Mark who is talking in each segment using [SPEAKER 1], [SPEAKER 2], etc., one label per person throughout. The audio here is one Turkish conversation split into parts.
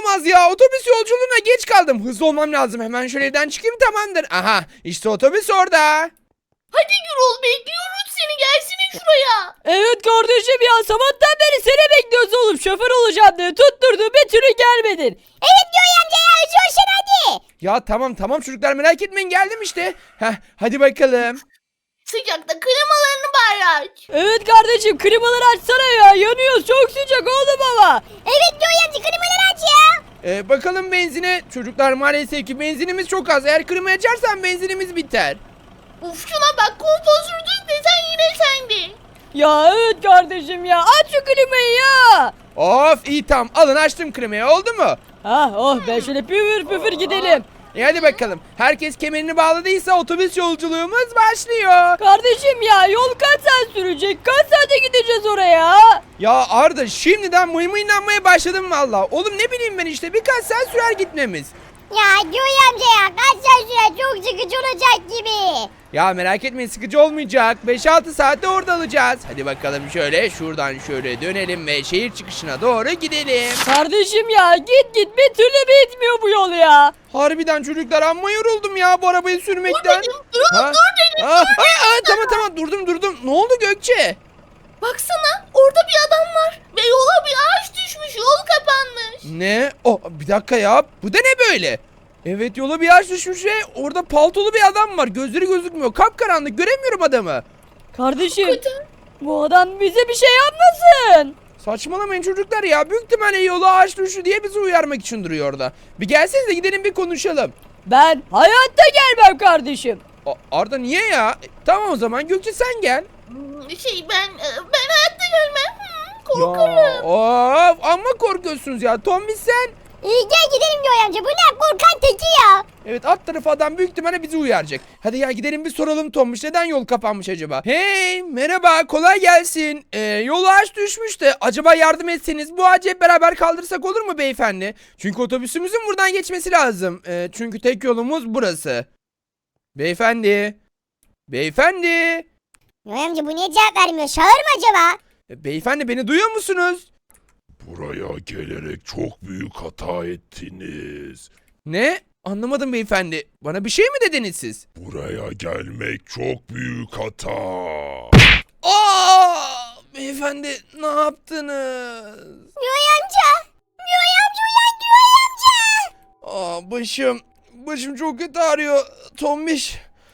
[SPEAKER 1] olamaz ya. Otobüs yolculuğuna geç kaldım. Hızlı olmam lazım. Hemen şöyle evden çıkayım, tamamdır. Aha, işte otobüs orada.
[SPEAKER 2] Hadi Gürol, bekliyoruz seni, gelsene şuraya.
[SPEAKER 3] Evet kardeşim ya, sabahtan beri seni bekliyoruz oğlum. Şoför olacağım diye tutturdu, bir türlü gelmedin.
[SPEAKER 4] Evet Göğe amca ya, coşun hadi.
[SPEAKER 1] Ya tamam çocuklar, merak etmeyin, geldim işte. Heh, hadi bakalım.
[SPEAKER 2] Sıcakta klimalarını bari aç.
[SPEAKER 3] Evet kardeşim, klimaları açsana ya, yanıyoruz, çok sıcak oğlum ama.
[SPEAKER 4] Evet Göğe amca, klimaları aç ya.
[SPEAKER 1] Bakalım benzine. Çocuklar maalesef ki benzinimiz çok az. Eğer klima açarsan benzinimiz biter.
[SPEAKER 2] Uf, şuna bak, kolposursuz desen yine sende.
[SPEAKER 3] Ya evet kardeşim ya, aç şu klimayı ya.
[SPEAKER 1] Of, iyi, tamam, alın, açtım klimayı, oldu mu?
[SPEAKER 3] Oh ben şöyle püfür püfür gidelim.
[SPEAKER 1] Hadi bakalım. Herkes kemerini bağladıysa otobüs yolculuğumuz başlıyor.
[SPEAKER 3] Kardeşim ya, yol kaç saat sürecek? Kaç saate gideceğiz oraya?
[SPEAKER 1] Ya Arda, şimdiden mıymıylanmaya başladım valla. Oğlum ne bileyim ben, işte birkaç saat sürer gitmemiz.
[SPEAKER 4] Ya Göğe amca ya, kaç saat sürer, çok sıkıcı olacak gibi.
[SPEAKER 1] Ya merak etmeyin, sıkıcı olmayacak. 5-6 saatte orada alacağız. Hadi bakalım, şöyle şuradan şöyle dönelim ve şehir çıkışına doğru gidelim.
[SPEAKER 3] Kardeşim ya, git bir türlü bitmiyor bu yol ya.
[SPEAKER 1] Harbiden çocuklar, amma yoruldum ya bu arabayı sürmekten.
[SPEAKER 2] Dur dedim.
[SPEAKER 1] Tamam, durdum. Ne oldu Gökçe?
[SPEAKER 2] Baksana, orada bir adam var ve yola bir ağaç düşmüş, yol kapanmış.
[SPEAKER 1] Ne? Oh, bir dakika ya. Bu da ne böyle? Evet, yola bir ağaç düşmüş ve orada paltolu bir adam var. Gözleri gözükmüyor. Kapkaranlık, göremiyorum adamı.
[SPEAKER 3] Kardeşim,
[SPEAKER 2] Kötü.
[SPEAKER 3] bu adam bize bir şey yapmasın.
[SPEAKER 1] Saçmalamayın çocuklar ya. Büyük ihtimalle yola ağaç düştü diye bizi uyarmak için duruyor orada. Bir gelsenize, gidelim bir konuşalım.
[SPEAKER 3] Ben hayatta gelmem kardeşim.
[SPEAKER 1] Arda niye ya? Tamam o zaman Gökçe, sen gel.
[SPEAKER 2] Ben hayatta gelmem. Korkarım.
[SPEAKER 1] Ya, of, amma korkuyorsunuz ya. Tombiş sen.
[SPEAKER 4] Gel gidelim Göğe amca, bu ne korkan teki ya.
[SPEAKER 1] Evet, alt tarafı adam büyük ihtimalle bizi uyaracak. Hadi ya, gidelim bir soralım Tombiş, neden yol kapanmış acaba? Hey, merhaba, kolay gelsin. Yol ağaç düşmüş de acaba yardım etseniz bu ağacı hep beraber kaldırsak olur mu beyefendi? Çünkü otobüsümüzün buradan geçmesi lazım. Çünkü tek yolumuz burası. Beyefendi.
[SPEAKER 4] Göğe amca, bu niye cevap vermiyor, şağır mı acaba?
[SPEAKER 1] Beyefendi, beni duyuyor musunuz?
[SPEAKER 5] Buraya gelerek çok büyük hata ettiniz.
[SPEAKER 1] Ne? Anlamadım beyefendi. Bana bir şey mi dediniz siz?
[SPEAKER 5] Buraya gelmek çok büyük hata.
[SPEAKER 1] Beyefendi, ne yaptınız?
[SPEAKER 4] Göğe amca. Göğe amca, uyan Göğe amca.
[SPEAKER 1] Başım çok kötü ağrıyor. Tombiş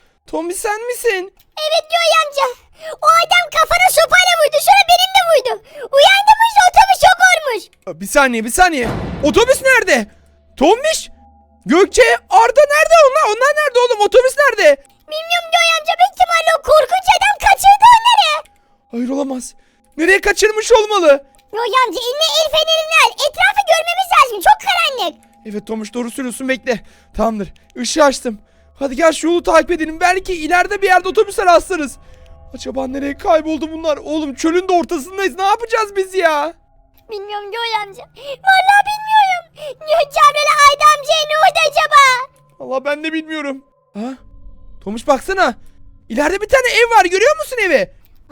[SPEAKER 1] sen misin?
[SPEAKER 4] Evet Göğe amca. O adam kafana sopayla vurdu, sonra benimle vurdu. Uyandım, işte otobüs yok olmuş.
[SPEAKER 1] Bir saniye. Otobüs nerede? Tombiş? Gökçe, Arda nerede onlar? Onlar nerede oğlum? Otobüs nerede?
[SPEAKER 4] Bilmiyorum Göğe amca, büyük ihtimalle o korkunç adam kaçırdı onları.
[SPEAKER 1] Hayır, olamaz. Nereye kaçırmış olmalı?
[SPEAKER 4] Göğe amca, eline el fenerini al. Etrafı görmemiz lazım, çok karanlık.
[SPEAKER 1] Evet Tomuş, doğru söylüyorsun, bekle. Tamamdır, ışığı açtım. Hadi gel şu yolu takip edelim. Belki ileride bir yerde otobüse rastlarız. Acaba nereye kayboldu bunlar? Oğlum, çölün de ortasındayız. Ne yapacağız biz ya?
[SPEAKER 4] Bilmiyorum Göğe amca. Vallahi bilmiyorum. Gökçe ablayla Ayda amcaya ne oldu acaba?
[SPEAKER 1] Allah, ben de bilmiyorum. Ha? Tomuş, baksana. İleride bir tane ev var, görüyor musun evi?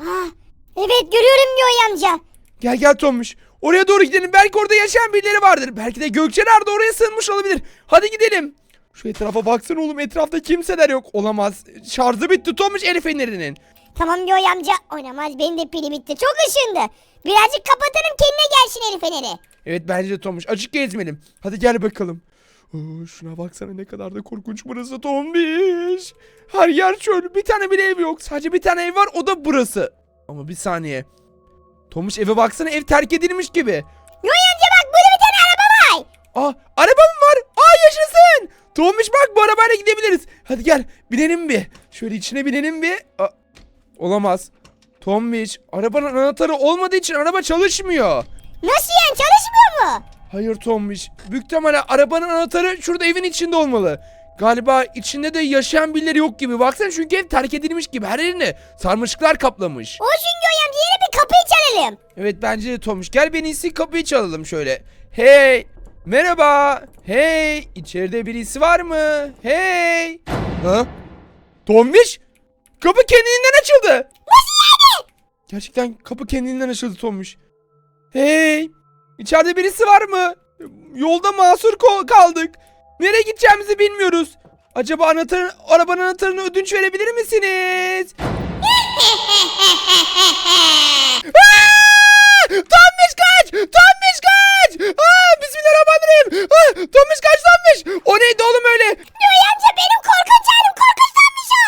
[SPEAKER 4] Evet görüyorum Göğe amca.
[SPEAKER 1] Gel Tomuş. Oraya doğru gidelim. Belki orada yaşayan birileri vardır. Belki de Gökçeler de oraya sığınmış olabilir. Hadi gidelim. Şu etrafa baksana oğlum. Etrafta kimseler yok. Olamaz. Şarjı bitti Tomuş el fenerinin.
[SPEAKER 4] Tamam Göğe amca. Oynamaz, benim de pili bitti. Çok ışındı. Birazcık kapatalım, kendine gelsin el feneri.
[SPEAKER 1] Evet, bence de Tomuş. Açık gezmeyelim. Hadi gel bakalım. Şuna baksana, ne kadar da korkunç burası Tombiş. Her yer çöl. Bir tane bile ev yok. Sadece bir tane ev var, o da burası. Ama bir saniye. Tomuş, eve baksana, ev terk edilmiş gibi.
[SPEAKER 4] Göğe amca bak, burada bir tane araba var.
[SPEAKER 1] Araba mı var? Yaşasın. Tomuş bak, bu arabayla gidebiliriz. Hadi gel, binelim bir. Şöyle içine binelim bir. Olamaz. Tomuş, arabanın anahtarı olmadığı için araba çalışmıyor.
[SPEAKER 4] Nasıl yani, çalışmıyor mu?
[SPEAKER 1] Hayır Tomuş. Büyük ihtimalle arabanın anahtarı şurada evin içinde olmalı. Galiba içinde de yaşayan birileri yok gibi. Baksana, çünkü ev terk edilmiş gibi. Her yerini sarmaşıklar kaplamış.
[SPEAKER 4] Olsun Göğe amca, yine bir kapıyı çalalım.
[SPEAKER 1] Evet, bence de Tomuş. Gel, ben iyisi kapıyı çalalım şöyle. Hey! Merhaba! Hey! İçeride birisi var mı? Hey! Ha? Tomuş! Kapı kendiliğinden açıldı.
[SPEAKER 4] Nasıl yani?
[SPEAKER 1] Gerçekten kapı kendiliğinden açıldı Tomuş. Hey! İçeride birisi var mı? Yolda mahsur kaldık. Nereye gideceğimizi bilmiyoruz. Acaba arabanın anahtarını ödünç verebilir misiniz? Tombiş kaç! Tombiş kaç! Bismillahirrahmanirrahim! Tombiş kaç Tombiş! O neydi oğlum öyle?
[SPEAKER 4] Yoy amca benim korkunç halim korkunçlanmış o.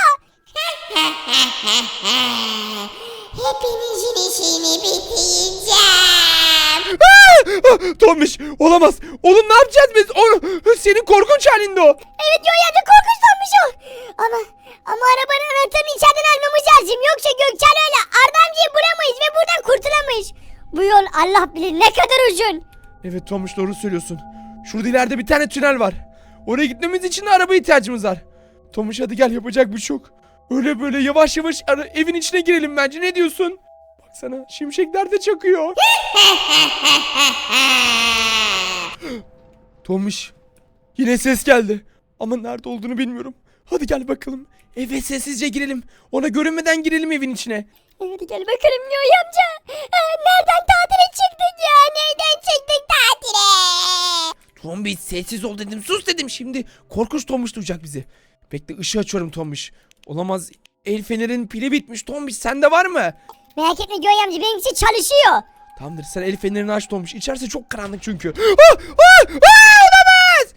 [SPEAKER 4] Hepinizin işini bitireceğim.
[SPEAKER 1] Tombiş olamaz. Oğlum ne yapacağız biz? Senin korkunç halinde o.
[SPEAKER 4] Evet Yoy amca korkunçlanmış o. Ama arabanın anahtarını içeriden almamız lazım. Yoksa Gökçen öyle Arda amcayı bulamayız ve buradan kurtulamayız. Bu yol Allah bilir ne kadar uzun.
[SPEAKER 1] Evet Tombiş doğru söylüyorsun. Şurada ileride bir tane tünel var. Oraya gitmemiz için de araba ihtiyacımız var. Tombiş hadi gel yapacak bir şey yok. Öyle böyle yavaş yavaş evin içine girelim bence. Ne diyorsun? Baksana şimşekler de çakıyor. Tombiş yine ses geldi. Ama nerede olduğunu bilmiyorum. Hadi gel bakalım. Eve sessizce girelim. Ona görünmeden girelim evin içine.
[SPEAKER 4] Hadi gel bakalım Yoy amca. Nereden tatile çıktık ya? Nereden çıktık tatile?
[SPEAKER 1] Tombiş sessiz ol dedim. Sus dedim şimdi. Korkunç Tombiş duyacak bizi. Bekle ışığı açıyorum Tombiş. Olamaz. El fenerin pili bitmiş Tombiş. Sende var mı?
[SPEAKER 4] Merak etme Yoy amca benimkisi çalışıyor.
[SPEAKER 1] Tamamdır sen el fenerini aç Tombiş. İçerisi çok karanlık çünkü. Olamaz.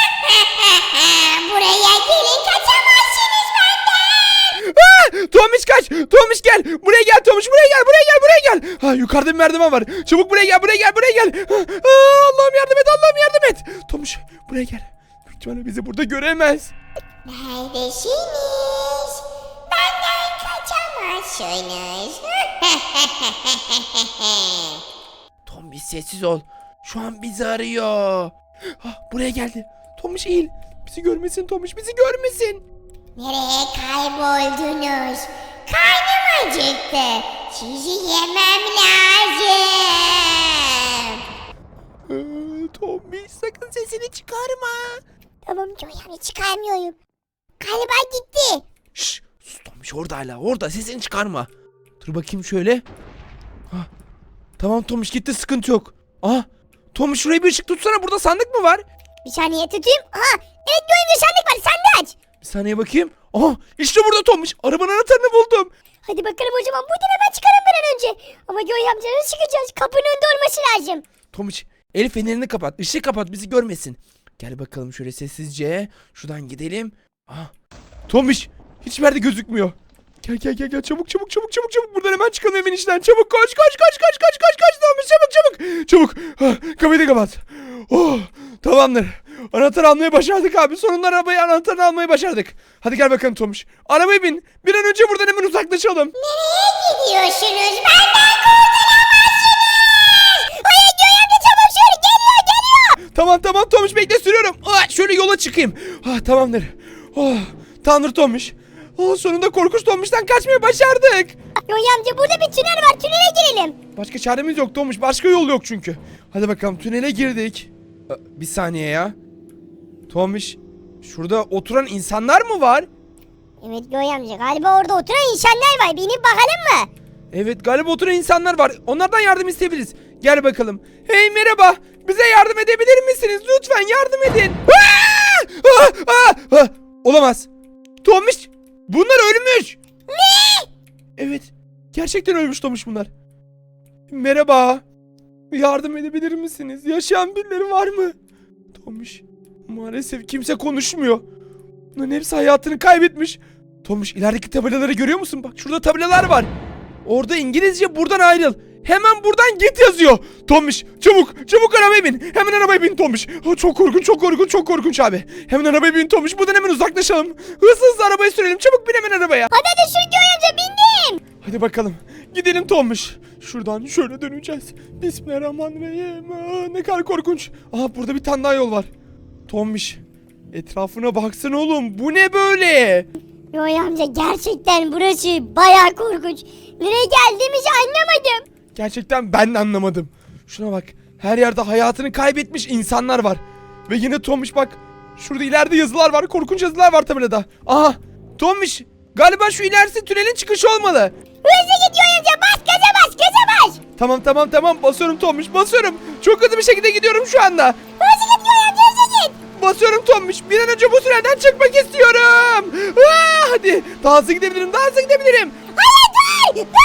[SPEAKER 4] Buraya gelin kaçamazsınız benden.
[SPEAKER 1] Tombiş kaç. Tombiş gel. Buraya gel Tombiş. Buraya gel. Buraya gel. Buraya gel. Yukarıda bir merdiven var. Çabuk buraya gel. Buraya gel. Buraya gel. Allah'ım yardım et. Allah'ım yardım et. Tombiş buraya gel. Büyük ihtimalle bizi burada göremez.
[SPEAKER 4] Neredesiniz? Benden kaçamazsınız.
[SPEAKER 1] Tombiş sessiz ol. Şu an bizi arıyor. Buraya geldi. Tombiş eğil. Bizi görmesin Tombiş. Bizi görmesin.
[SPEAKER 4] Nereye kayboldunuz? Karnım acıktı. Sizi yemem lazım.
[SPEAKER 1] Tombiş sakın sesini çıkarma.
[SPEAKER 4] Tamam Joy amca çıkarmıyorum. Galiba gitti.
[SPEAKER 1] Şşş sus Tombiş orada hala. Orada sesini çıkarma. Dur bakayım şöyle. Tamam Tombiş gitti sıkıntı yok. Tombiş şuraya bir ışık tutsana. Burada sandık mı var?
[SPEAKER 4] Bir saniye tutayım. Evet Joy amca sandık var sen de aç.
[SPEAKER 1] Bir saniye bakayım. İşte burada Tombiş. Arabanın anahtarını buldum.
[SPEAKER 4] Hadi bakalım o zaman buradan hemen çıkalım bir an önce. Ama Joy amca nasıl çıkacağız? Kapının önünde olması lazım.
[SPEAKER 1] Tombiş el fenerini kapat. Işığı kapat bizi görmesin. Gel bakalım şöyle sessizce. Şuradan gidelim. Tombiş hiçbir yerde gözükmüyor. Gel çabuk. Buradan hemen çıkalım evin içinden. Çabuk koş. Tombiş çabuk. Kapıyı da kapat. Tamamdır. Anahtar almayı başardık abi. Sonunda anahtarını almayı başardık. Hadi gel bakalım Tombiş. Arabaya bin. Bir an önce buradan hemen uzaklaşalım.
[SPEAKER 4] Nereye gidiyorsunuz? Benden kurtulamazsınız. Hayır Joy amca çabuk şöyle geliyor.
[SPEAKER 1] Tamam Tombiş bekle sürüyorum. Şöyle yola çıkayım. Tamamdır. Tanrı Tombiş. Sonunda korkunç Tombiş'ten kaçmayı başardık.
[SPEAKER 4] Joy amca burada bir tünel var. Tünele girelim.
[SPEAKER 1] Başka çaremiz yok Tombiş. Başka yol yok çünkü. Hadi bakalım tünele girdik. Bir saniye ya. Tombiş şurada oturan insanlar mı var?
[SPEAKER 4] Evet Joy amca galiba orada oturan insanlar var. Binip bakalım mı?
[SPEAKER 1] Evet galiba oturan insanlar var. Onlardan yardım isteyebiliriz. Gel bakalım. Hey merhaba. Bize yardım edebilir misiniz? Lütfen yardım edin. Olamaz. Tombiş bunlar ölmüş.
[SPEAKER 4] Ne?
[SPEAKER 1] Evet. Gerçekten ölmüş Tombiş bunlar. Merhaba. Yardım edebilir misiniz? Yaşayan birileri var mı? Tombiş maalesef kimse konuşmuyor. Bunların hepsi hayatını kaybetmiş. Tombiş ilerideki tabelaları görüyor musun? Bak şurada tabelalar var. Orada İngilizce buradan ayrıl. Hemen buradan git yazıyor. Tombiş çabuk arabaya bin. Hemen arabaya bin Tombiş. Çok korkunç abi. Hemen arabaya bin Tombiş. Buradan hemen uzaklaşalım. Hızlı arabayı sürelim. Çabuk bin hemen arabaya.
[SPEAKER 4] Hadi şu Joy amca bindim.
[SPEAKER 1] Hadi bakalım. Gidelim Tombiş. Şuradan şöyle döneceğiz. Bismillahirrahmanirrahim. Ne kadar korkunç. Burada bir tane daha yol var. Tombiş. Etrafına baksana oğlum. Bu ne böyle?
[SPEAKER 4] Joy amca gerçekten burası bayağı korkunç. Nereye geldiğimizi anlamadım.
[SPEAKER 1] Gerçekten ben de anlamadım. Şuna bak. Her yerde hayatını kaybetmiş insanlar var. Ve yine Tombiş bak. Şurada ileride yazılar var. Korkunç yazılar var tabelada. Tombiş. Galiba şu ilerisi tünelin çıkışı olmalı.
[SPEAKER 4] Hızlı git Joy amca bas gaza bas.
[SPEAKER 1] Tamam basıyorum Tombiş basıyorum. Çok hızlı bir şekilde gidiyorum şu anda.
[SPEAKER 4] Hızlı git Göğe amca hızlı git.
[SPEAKER 1] Basıyorum Tombiş. Bir an önce bu tünelden çıkmak istiyorum. Hadi daha hızlı gidebilirim.
[SPEAKER 4] Hayır dur.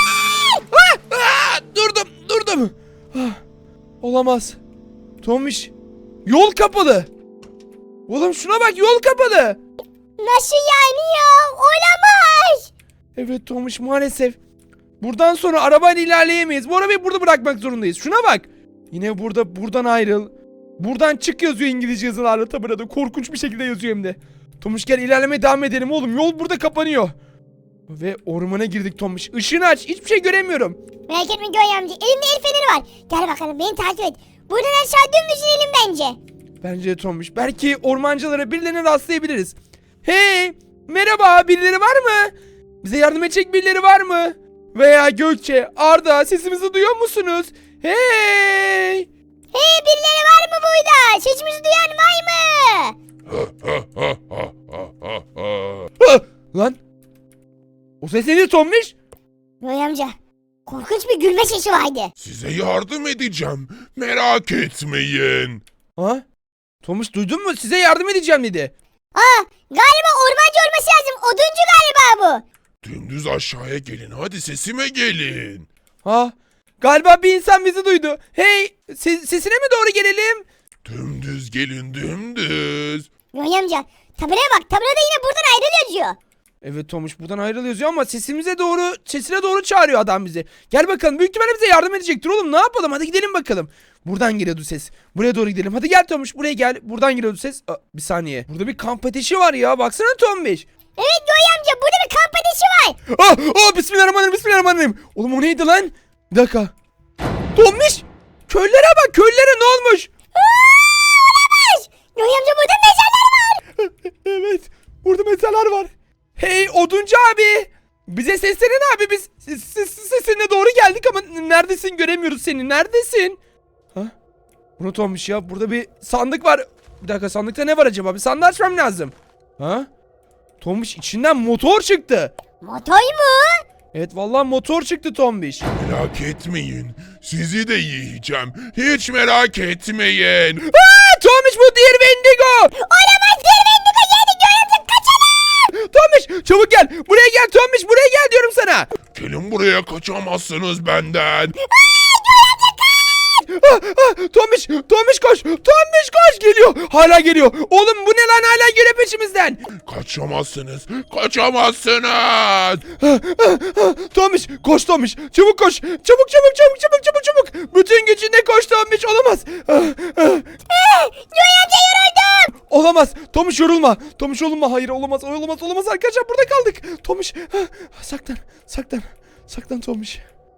[SPEAKER 1] Durdum. Olamaz. Tombiş. Yol kapalı. Oğlum şuna bak, yol kapalı.
[SPEAKER 4] Nasıl yani ya? Olamaz.
[SPEAKER 1] Evet Tombiş, maalesef. Buradan sonra arabayla ilerleyemeyiz. Bu arabayı burada bırakmak zorundayız. Şuna bak. Yine buradan ayrıl. Buradan çık yazıyor İngilizce yazılarla, tabelada korkunç bir şekilde yazıyor hem de. Tombiş gel ilerlemeye devam edelim oğlum. Yol burada kapanıyor. Ve ormana girdik Tombiş. Işığını aç. Hiçbir şey göremiyorum.
[SPEAKER 4] Merak etme Göğe amca. Elimde el feneri var. Gel bakalım beni takip et. Buradan aşağı dümdüz inelim bence.
[SPEAKER 1] Bence de Tombiş. Belki ormancılara, birilerine rastlayabiliriz. Hey! Merhaba, birileri var mı? Bize yardım edecek birileri var mı? Veya Gökçe, Arda, sesimizi duyuyor musunuz? Hey!
[SPEAKER 4] Hey birileri var mı burada? Sesimizi duyan var mı?
[SPEAKER 1] Hah! Lan! O ses neydi Tombiş?
[SPEAKER 4] Göğe amca. Korkunç bir gülme sesi vardı.
[SPEAKER 5] Size yardım edeceğim. Merak etmeyin.
[SPEAKER 1] Ha? Tombiş duydun mu? Size yardım edeceğim dedi.
[SPEAKER 4] Galiba ormancı olması lazım. Oduncu galiba bu.
[SPEAKER 5] Dümdüz aşağıya gelin. Hadi sesime gelin.
[SPEAKER 1] Ha? Galiba bir insan bizi duydu. Hey! Sesine mi doğru gelelim?
[SPEAKER 5] Dümdüz gelin dümdüz.
[SPEAKER 4] Göğe amca. Tabelaya bak. Tabelada yine buradan ayrıl yazıyor.
[SPEAKER 1] Evet Tomuş, buradan ayrıl yazıyor ama sesine doğru çağırıyor adam bizi. Gel bakalım, büyük ihtimalle bize yardım edecektir oğlum, ne yapalım, hadi gidelim bakalım. Buradan geliyordu ses. Buraya doğru gidelim. Hadi gel Tomuş, buraya gel. Buradan geliyordu ses. Bir saniye. Burada bir kamp ateşi var ya. Baksana Tomuş.
[SPEAKER 4] Evet Göğe amca. Burada bir kamp ateşi var.
[SPEAKER 1] Bismillahirrahmanirrahim. Oğlum o neydi lan? Bir dakika. Tomuş. Köylere bak, köylere ne olmuş?
[SPEAKER 4] Olamaz. Göğe amca burada mezarlar var.
[SPEAKER 1] Evet. Burada mezarlar var. Hey oduncu abi. Bize seslenin abi, biz sesinle doğru geldik ama neredesin, göremiyoruz seni, neredesin? Ha? Unut olmuş ya, burada bir sandık var. Bir dakika, sandıkta ne var acaba, bir sandığı açmam lazım. Ha? Tombiş, içinden motor çıktı.
[SPEAKER 4] Motor mu?
[SPEAKER 1] Evet vallahi motor çıktı Tombiş.
[SPEAKER 5] Merak etmeyin. Sizi de yiyeceğim. Hiç merak etmeyin.
[SPEAKER 1] Tombiş, bu diğer Wendigo.
[SPEAKER 4] Olamaz. Bir Wendigo geldi. Göğe amca kaçalım.
[SPEAKER 1] Tombiş çabuk gel, buraya gel Tombiş, buraya gel diyorum sana.
[SPEAKER 5] Gelin buraya, kaçamazsınız benden.
[SPEAKER 1] Tombiş koş, geliyor, hala geliyor. Oğlum bu ne lan, hala geliyor peşimizden.
[SPEAKER 5] Kaçamazsınız.
[SPEAKER 1] Tombiş koş, Tombiş çabuk koş, çabuk. Bütün gücünle koş Tombiş, olamaz.
[SPEAKER 4] Göğe amca yoruldum.
[SPEAKER 1] Olamaz Tombiş, yorulma. Hayır, olamaz arkadaşlar, burada kaldık. Tombiş saklan Tombiş.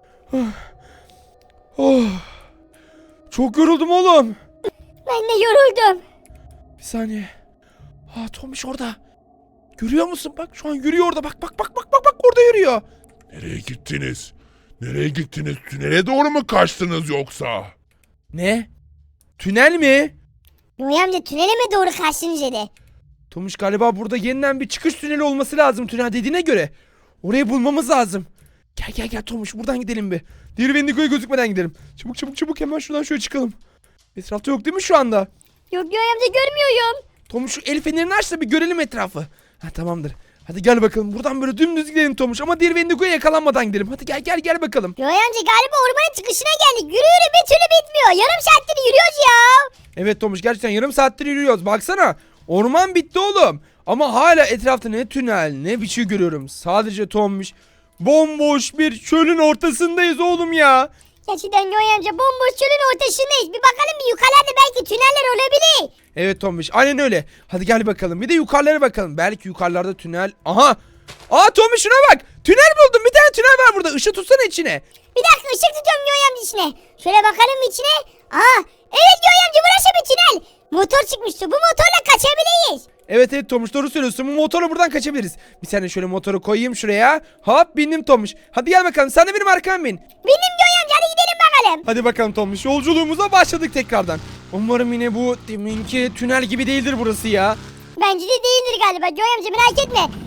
[SPEAKER 1] Çok yoruldum oğlum.
[SPEAKER 4] Ben de yoruldum.
[SPEAKER 1] Bir saniye. Tombiş orada. Görüyor musun? Bak şu an yürüyor orada. Bak orada yürüyor.
[SPEAKER 5] Nereye gittiniz? Tünele doğru mu kaçtınız yoksa?
[SPEAKER 1] Ne? Tünel mi?
[SPEAKER 4] Göğe amca tünele mi doğru kaçtınız dedi.
[SPEAKER 1] Tombiş galiba burada yeniden bir çıkış tüneli olması lazım tünel dediğine göre. Orayı bulmamız lazım. Gel Tombiş, buradan gidelim bir. Diğer Wendigo'ya gözükmeden gidelim. Çabuk hemen şuradan şöyle çıkalım. Etrafta yok değil mi şu anda?
[SPEAKER 4] Yok Göğe amca görmüyorum.
[SPEAKER 1] Tomuş şu el fenerini aç da bir görelim etrafı. Tamamdır. Hadi gel bakalım, buradan böyle dümdüz gidelim Tomuş, ama diğer Wendigo'ya yakalanmadan gidelim. Hadi gel bakalım.
[SPEAKER 4] Göğe amca galiba ormanın çıkışına geldik. Yürü bir türlü bitmiyor. Yarım saattir yürüyoruz ya.
[SPEAKER 1] Evet Tomuş, gerçekten yarım saattir yürüyoruz. Baksana, orman bitti oğlum. Ama hala etrafta ne tünel ne bir şey görüyorum. Sadece Tomuş, bomboş bir çölün ortasındayız oğlum ya.
[SPEAKER 4] Gerçekten Göğe amca bomboş çölün ortasındayız. Bir bakalım, bir yukarılarda belki tüneller olabilir.
[SPEAKER 1] Evet Tomuş, aynen öyle. Hadi gel bakalım, bir de yukarılara bakalım. Belki yukarılarda tünel. Aha. Tomuş şuna bak. Tünel buldum, bir tane tünel var burada. Işık tutsana içine.
[SPEAKER 4] Bir dakika ışık tutuyorum Göğe amca içine. Şöyle bakalım içine. Evet Göğe amca burası bir tünel. Motor çıkmıştı. Bu motorla kaçabiliriz.
[SPEAKER 1] Evet Tomuş, doğru söylüyorsun. Bu motorla buradan kaçabiliriz. Bir saniye şöyle motoru koyayım şuraya. Hop, bindim Tomuş. Hadi gel bakalım, sen de benim arkamdan bin.
[SPEAKER 4] Bindim Göğe amca, hadi gidelim bakalım.
[SPEAKER 1] Hadi bakalım Tomuş, yolculuğumuza başladık tekrardan. Umarım yine bu deminki tünel gibi değildir burası ya.
[SPEAKER 4] Bence de değildir galiba Göğe amca, merak etme.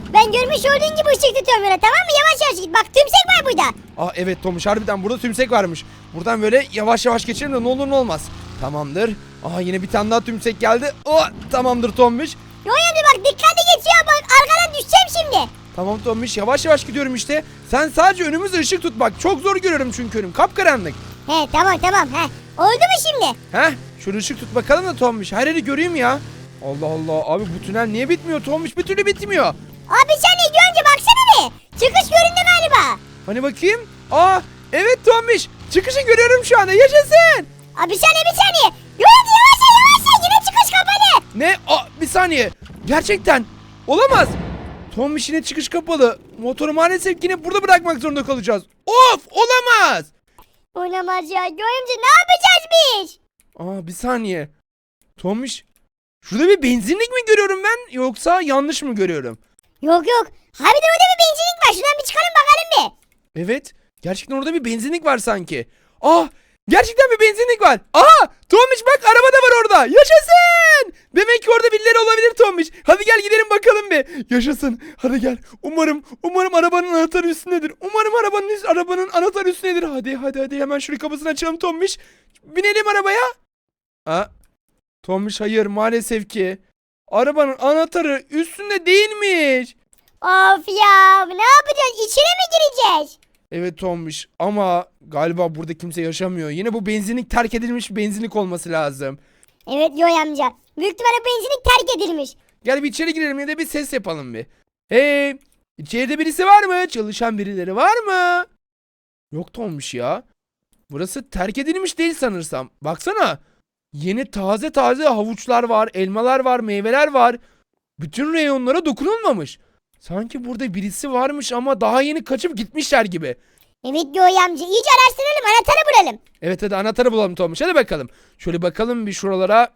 [SPEAKER 4] Ben görmüş olduğun gibi ışık tutuyorum böyle, tamam mı? Yavaş yavaş git. Bak tümsek var burada.
[SPEAKER 1] Aa evet Tomuş, harbiden burada tümsek varmış. Buradan böyle yavaş yavaş geçelim de ne olur ne olmaz. Tamamdır. Aa yine bir tane daha tümsek geldi. Oh, tamamdır Tomuş.
[SPEAKER 4] Yoy amca bak dikkatli geç ya, bak arkadan düşeceğim şimdi.
[SPEAKER 1] Tamam Tomuş, yavaş yavaş gidiyorum işte. Sen sadece önümüzde ışık tut bak. Çok zor görüyorum çünkü önüm kapkaranlık.
[SPEAKER 4] He tamam he. Oldu mu şimdi?
[SPEAKER 1] Heh, şöyle ışık tut bakalım da Tomuş. Her yeri göreyim ya. Allah Allah abi, bu tünel niye bitmiyor Tomuş? Bir türlü bitmiyor.
[SPEAKER 4] Abi sen ne Yoy amca, baksana bir. Çıkış göründü galiba.
[SPEAKER 1] Hani bakayım. Aa evet Tomuş. Çıkışı görüyorum şu anda. Yaşasın.
[SPEAKER 4] Abi bir saniye. Yoy amca yavaş yine çıkış kapalı.
[SPEAKER 1] Ne? Aa bir saniye. Gerçekten. Olamaz. Tomuş yine çıkış kapalı. Motoru maalesef yine burada bırakmak zorunda kalacağız. Of, olamaz.
[SPEAKER 4] Olamaz ya. Yoy amca ne yapacağız biz?
[SPEAKER 1] Aa bir saniye. Tomuş. Şurada bir benzinlik mi görüyorum ben, yoksa yanlış mı görüyorum?
[SPEAKER 4] Yok. Harbiden orada bir benzinlik var. Şuradan bir çıkalım bakalım bir.
[SPEAKER 1] Evet. Gerçekten orada bir benzinlik var sanki. Ah! Gerçekten bir benzinlik var. Aha! Tomuş bak, araba da var orada. Yaşasın! Demek ki orada birileri olabilir Tomuş. Hadi gel gidelim bakalım bir. Yaşasın. Hadi gel. Umarım arabanın anahtarı üstündedir. Umarım arabanın anahtarı üstündedir. Hadi hemen şurayı kapısını açalım Tomuş. Binelim arabaya. Ha? Tomuş hayır, maalesef ki. Arabanın anahtarı üstünde değilmiş.
[SPEAKER 4] Of ya, ne yapacağız? İçine mi gireceğiz?
[SPEAKER 1] Evet Tomuş, ama galiba burada kimse yaşamıyor. Yine bu benzinlik terk edilmiş bir benzinlik olması lazım.
[SPEAKER 4] Evet Yoy amca. Büyük ihtimalle benzinlik terk edilmiş.
[SPEAKER 1] Gel bir içeri girelim ya da bir ses yapalım bir. Hey! İçeride birisi var mı? Çalışan birileri var mı? Yok Tomuş ya. Burası terk edilmiş değil sanırsam. Baksana. Yeni taze havuçlar var, elmalar var, meyveler var. Bütün reyonlara dokunulmamış. Sanki burada birisi varmış ama daha yeni kaçıp gitmişler gibi.
[SPEAKER 4] Evet Yoy amca, iyice araştıralım, anahtarı bulalım.
[SPEAKER 1] Evet hadi anahtarı bulalım Tomuş, hadi bakalım. Şöyle bakalım bir şuralara.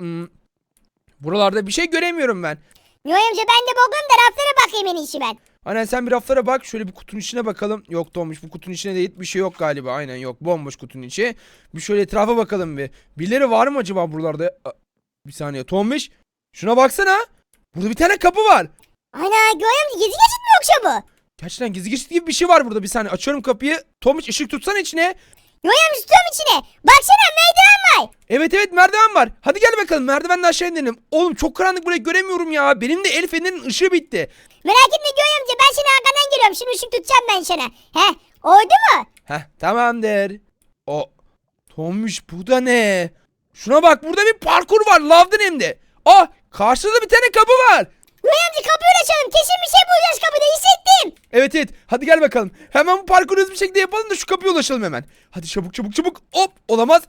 [SPEAKER 1] Buralarda bir şey göremiyorum ben.
[SPEAKER 4] Yoy amca ben de bakayım da raflara bakayım en iyisi ben.
[SPEAKER 1] Aynen, sen bir raflara bak. Şöyle bir kutunun içine bakalım. Yok Tomuş, bu kutunun içine de hiçbir şey yok galiba. Aynen yok, bomboş kutunun içi. Bir şöyle etrafa bakalım bir. Birileri var mı acaba buralarda? Bir saniye Tomuş. Şuna baksana. Burada bir tane kapı var.
[SPEAKER 4] Ana Yoy amca, gizli geçit mi yoksa bu?
[SPEAKER 1] Gerçekten gizli geçit gibi bir şey var burada. Bir saniye açıyorum kapıyı. Tomuş ışık tutsana içine.
[SPEAKER 4] Yoy amca tutuyorum içine. Baksana merdiven var.
[SPEAKER 1] Evet merdiven var. Hadi gel bakalım, merdivenden aşağı inelim. Oğlum çok karanlık, burayı göremiyorum ya. Benim de el fenerinin ışığı bitti.
[SPEAKER 4] Merak etme Yoy amca, ben seni arkadan geliyorum. Şimdi ışık tutacağım ben sana. He, oldu mu?
[SPEAKER 1] Heh tamamdır. O Tomuş, bu da ne? Şuna bak, burada bir parkur var lavdan hem de. Ah, karşıda bir tane kapı var.
[SPEAKER 4] Yoy amca kapıyı açalım. Kesin bir şey bulacağız kapıda, hissettim.
[SPEAKER 1] Evet hadi gel bakalım. Hemen bu parkuru hızlı bir şekilde yapalım da şu kapıya ulaşalım hemen. Hadi çabuk. Hop, olamaz.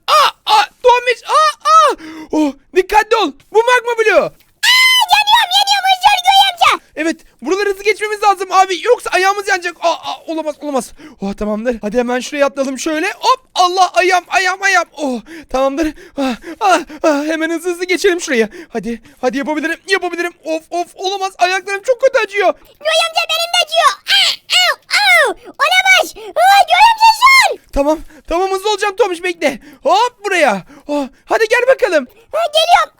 [SPEAKER 1] Tomuş. Oh, dikkatli ol. Bu magma bloğu.
[SPEAKER 4] Yanıyorum hızlı Yoy amca.
[SPEAKER 1] Evet, buraları hızlı geçmemiz lazım abi. Yoksa ayağımız yanacak. Olamaz. Oh, tamamdır. Hadi hemen şuraya atlayalım şöyle. Hop, Allah, ayağım. Oh, tamamdır. Hemen hızlı geçelim şuraya. Hadi yapabilirim. Of, olamaz. Ayaklarım çok kötü acıyor.
[SPEAKER 4] Yoy amca benim de acıyor. Olamaz. Yoy amca sol.
[SPEAKER 1] Tamam hızlı olacağım Tomuş, bekle. Hop buraya. Oh, hadi gel bakalım.
[SPEAKER 4] Geliyorum.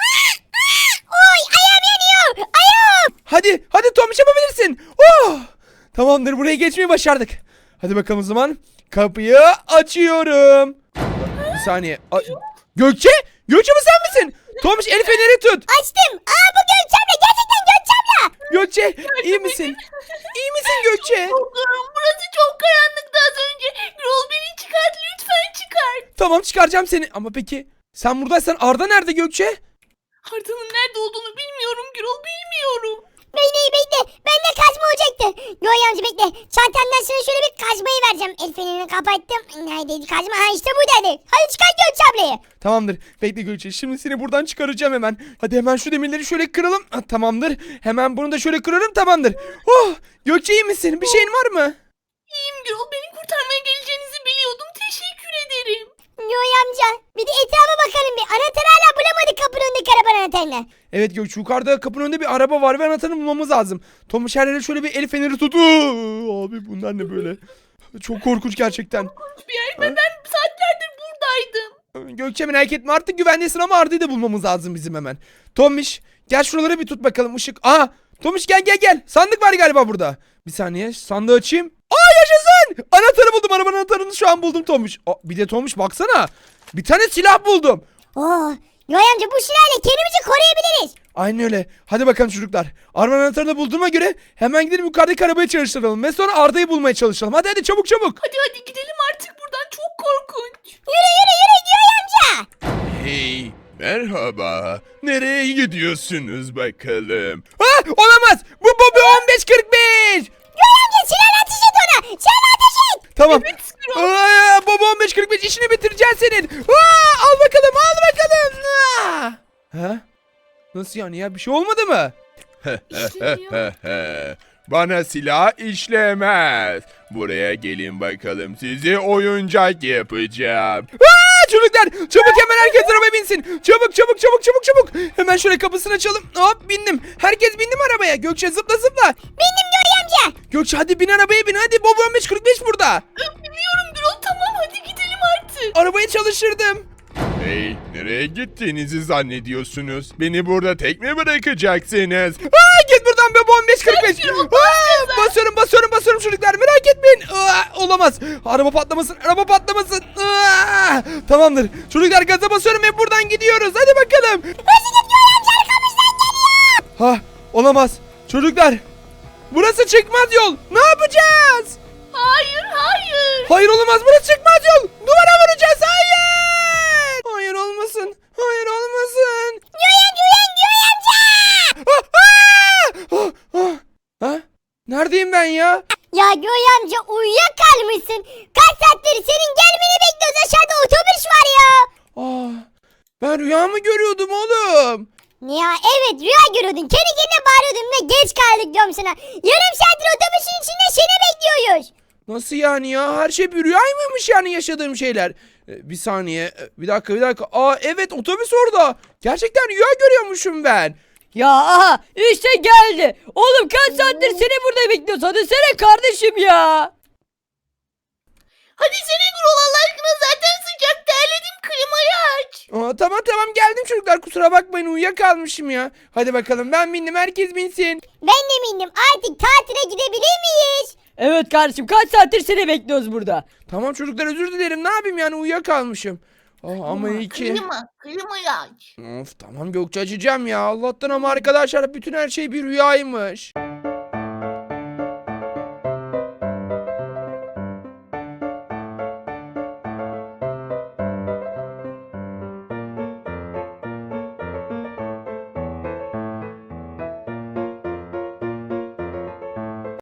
[SPEAKER 4] Oy ayağım yanıyor. Ayağım.
[SPEAKER 1] Hadi Tomuş, yapabilirsin. Oh, tamamdır, buraya geçmeyi başardık. Hadi bakalım o zaman. Kapıyı açıyorum. Bir saniye. Gökçe bu sen misin? Tomuş, el feneri tut.
[SPEAKER 4] Açtım. Bu Gökçem'le. Gerçekten Gökçem'le.
[SPEAKER 1] Gökçe iyi misin? İyi misin Gökçe?
[SPEAKER 2] Korkuyorum. Burası çok karanlıktı az önce. Gürol beni çıkart, lütfen çıkart.
[SPEAKER 1] Tamam, çıkaracağım seni. Ama peki sen buradaysan Arda nerede Gökçe?
[SPEAKER 2] Arda'nın nerede olduğunu bilmiyorum Gürol, bilmiyorum.
[SPEAKER 4] Bekle. Bende kazma olacaktı. Yoy amca bekle. Çantamdan sana şöyle bir kazmayı vereceğim. El fenerini kapattım. Neredeydi kazma? İşte buradaydı. Hadi çıkart Gökçem'le.
[SPEAKER 1] Tamamdır. Bekle Gökçe. Şimdi seni buradan çıkaracağım hemen. Hadi hemen şu demirleri şöyle kıralım. Tamamdır. Hemen bunu da şöyle kırarım. Tamamdır. Oh, Gökçe iyi misin? Bir şeyin var mı?
[SPEAKER 2] İyiyim Gürol, beni kurtarmaya geleceğinizi biliyordum. Teşekkür ederim.
[SPEAKER 4] Yoy amca bir de etrafa bakalım bir. Anahtarı hala bulamadık kapının önündeki arabanın anahtarını.
[SPEAKER 1] Evet Gökçe, yukarıda kapının önünde bir araba var ve anahtarını bulmamız lazım. Tomuş, her yere şöyle bir el feneri tut. Abi bunlar ne böyle? Çok korkunç gerçekten.
[SPEAKER 2] Bir yer ve ben saatlerdir buradaydım.
[SPEAKER 1] Gökçe merak etme, artık güvendesin ama Arda'yı da bulmamız lazım bizim hemen. Tomuş, gel şuraları bir tut bakalım, ışık. Tomuş gel. Sandık var galiba burada. Bir saniye sandığı açayım. Yaşasın. Anahtarı buldum. Arabanın anahtarını şu an buldum Tomuş. Bir de Tomuş baksana. Bir tane silah buldum.
[SPEAKER 4] Yoy amca bu silahla kendimizi koruyabiliriz.
[SPEAKER 1] Aynen öyle. Hadi bakalım çocuklar. Arabanın anahtarını bulduğuma göre hemen gidelim yukarıdaki arabayı çalıştıralım. Ve sonra Arda'yı bulmaya çalışalım. Hadi çabuk.
[SPEAKER 2] Hadi gidelim artık buradan, çok korkunç.
[SPEAKER 4] Yürü Yoy amca.
[SPEAKER 5] Hey, merhaba. Nereye gidiyorsunuz bakalım?
[SPEAKER 1] Olamaz. Bu Bobby 1545.
[SPEAKER 4] Yoy amca silahla ateş et ona. Silahla ateş et.
[SPEAKER 1] Tamam.
[SPEAKER 2] Gürol.
[SPEAKER 1] Bobby 1545 işini bitireceğiz senin. Al bakalım. Ha? Nasıl yani ya? Bir şey olmadı mı?
[SPEAKER 2] İşleniyor.
[SPEAKER 5] Bana silah işlemez. Buraya gelin bakalım, sizi oyuncak yapacağım.
[SPEAKER 1] Çocuklar çabuk hemen herkes arabaya binsin. Çabuk. Hemen şöyle kapısını açalım. Hop bindim. Herkes bindi mi arabaya? Gökçe zıpla.
[SPEAKER 4] Bindim Yoy amca.
[SPEAKER 1] Gökçe hadi bin arabaya bin. Hadi Bobby 1545 burada.
[SPEAKER 2] Biliyorum Gürol, tamam hadi gidelim artık.
[SPEAKER 1] Arabayı çalıştırdım.
[SPEAKER 5] Hey, nereye gittiğinizi zannediyorsunuz? Beni burada tek mi bırakacaksınız?
[SPEAKER 1] Git buradan Bobby 1545. Basıyorum çocuklar merak etmeyin. Olamaz. Araba patlamasın. Tamamdır. Çocuklar gaza basıyorum ve buradan gidiyoruz. Hadi bakalım. Olamaz. Çocuklar. Burası çıkmaz yol. Ne yapacağız?
[SPEAKER 2] Hayır.
[SPEAKER 1] Hayır olamaz. Burası çıkmaz yol. Duvara vuracağız. Hayır olmasın.
[SPEAKER 4] Yoy amca.
[SPEAKER 1] Neredeyim ben ya?
[SPEAKER 4] Ya Yoy amca uyuyakalmışsın. Kaç saattir senin gelmeni bekliyoruz, aşağıda otobüs var ya.
[SPEAKER 1] Ben rüya mı görüyordum oğlum?
[SPEAKER 4] Ya evet rüya görüyordun. Kendi kendine bağırıyordun ve geç kaldık diyorum sana. Yarım saattir otobüsün içinde seni bekliyoruz.
[SPEAKER 1] Nasıl yani ya? Her şey bir rüya mıymış yani yaşadığım şeyler? Bir saniye. Bir dakika. Evet otobüs orada. Gerçekten rüya görüyormuşum ben.
[SPEAKER 3] Ya aha işte geldi. Oğlum kaç saattir seni burada bekliyoruz. Hadi sene kardeşim ya.
[SPEAKER 2] Hadi sene Gürol, Allah aşkına, zaten sıcak, terledim, klimayı aç.
[SPEAKER 1] Tamam geldim çocuklar. Kusura bakmayın uyuyakalmışım ya. Hadi bakalım ben bindim herkes binsin.
[SPEAKER 4] Ben de mindim, artık tatile gidebilir miyiz?
[SPEAKER 3] Evet kardeşim kaç saattir seni bekliyoruz burada.
[SPEAKER 1] Tamam çocuklar özür dilerim. Ne yapayım yani uyuyakalmışım. Ama iyi ki.
[SPEAKER 2] Klimayı aç.
[SPEAKER 1] Of tamam Gökçe açacağım ya. Allah'tan ama arkadaşlar bütün her şey bir rüyaymış.